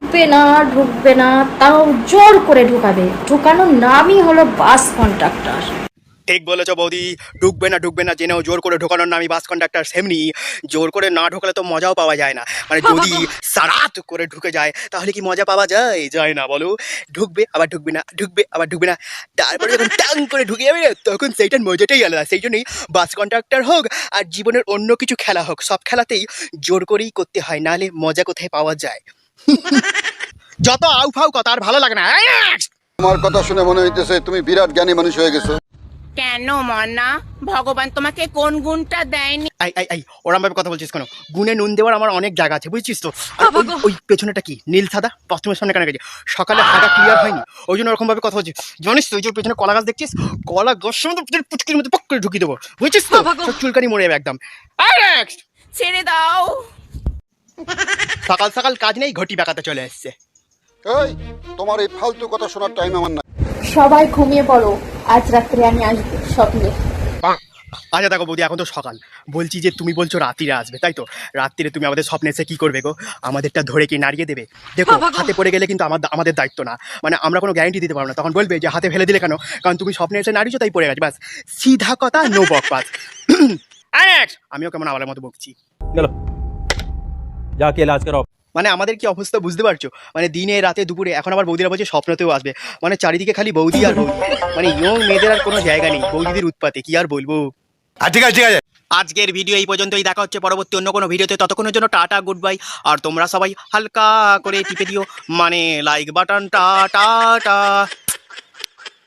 ঢুকবে না, তাও জোর করে ঢুকাবে। ঢুকানোর নামই হলো বাস কন্ট্রাক্টর। ঠিক বলেছো বৌদি, ঢুকবে না জেনেও জোর করে ঢোকানোর নামই বাস কন্ডাক্টর। সেমনি জোর করে না ঢোকালে তো মজাও পাওয়া যায় না। মানে যদি সারাত করে ঢুকে যায় তাহলে কি মজা পাওয়া যায়? যায় না বলো। ঢুকবে আবার ঢুকবে না, ঢুকবে আবার ঢুকবে না, তারপরে যখন টাং করে ঢুকে যাবে তখন সেইটার মজাটাই আলাদা। সেই জন্যই বাস কন্ডাক্টর হোক আর জীবনের অন্য কিছু খেলা হোক, সব খেলাতেই জোর করেই করতে হয়, নাহলে মজা কোথায় পাওয়া যায়? যত আউ ফাউ কথা আর ভালো লাগে না। তোমার কথা শুনে মনে হইতেছে তুমি বিরাট জ্ঞানী মানুষ হয়ে গেছো। কেন মনা, ভগবান তোমাকে কোন গুণটা দেয়নি? ওরম ভাবে কথা বলছিস কেন? গুনে নুন দেওয়ার আমার অনেক জায়গা আছে, বুঝছিস তো? আর ওই পেছনেটা কি নীল সাদা বাথরুমের সামনে কেন গেছে? সকালে হাগা ক্লিয়ার হয়নি, ওই জন্য ওরকম ভাবে কথা বলছিস। জানিস তো ওই যে পেছনে কলা গাছ দেখছিস, কলা গাছের মধ্যে পুচকির মধ্যে পক করে ঢুকিয়ে দেবো, বুঝছিস তো? সব চুলকানি মরে যাবে একদম। ছেড়ে দাও। সকাল সকাল কাজ নেই, ঘটি পাকাতে চলে এসছে। এই তোমার এই ফালতু কথা শোনার টাইম আমার না। সবাই ঘুমিয়ে পড়ো, আজ রাত্রে আমি আসবো স্বপ্নে। আচ্ছা দেখো বৌদি, এখন তো সকাল, বলছি যে তুমি বলছো রাত্রিরে আসবে, তাই তো? রাত্রিরে তুমি আমাদের স্বপ্নে এসে কি করবে গো? আমাদেরটা ধরে কি নাড়িয়ে দেবে? দেখো হাতে পড়ে গেলে কিন্তু আমাদের দায়িত্ব না, মানে আমরা কোনো গ্যারান্টি দিতে পারবো না। তখন বলবে যে হাতে ফেলে দিলে কেন, কারণ তুমি স্বপ্নে এসে নাড়িয়েছো তাই পড়ে গেছে, ব্যাস। সিধা কথা, নো বকবাস। আমিও কেমন আওয়ালের মতো বকছি। चलो जाके इलाज कराओ। মানে আমাদের কি অবস্থা বুঝতে পারছো? মানে দিনে রাতে দুপুরে, এখন আবার বৌদিরা বলছে স্বপ্নতেও আসবে। মানে চারিদিকে খালি বৌদি আর বৌদি, মানে ইয়ং মেয়েদের আর কোনো জায়গা নেই বৌদিদের উৎপাতে, কি আর বলবো। ঠিক আছে আজকের ভিডিও এই পর্যন্তই, দেখা হচ্ছে পরবর্তী অন্য কোনো ভিডিওতে। ততক্ষণের জন্য টাটা, গুড বাই। আর তোমরা সবাই হালকা করে টিপে দিও মানে লাইক বাটন। টাটা।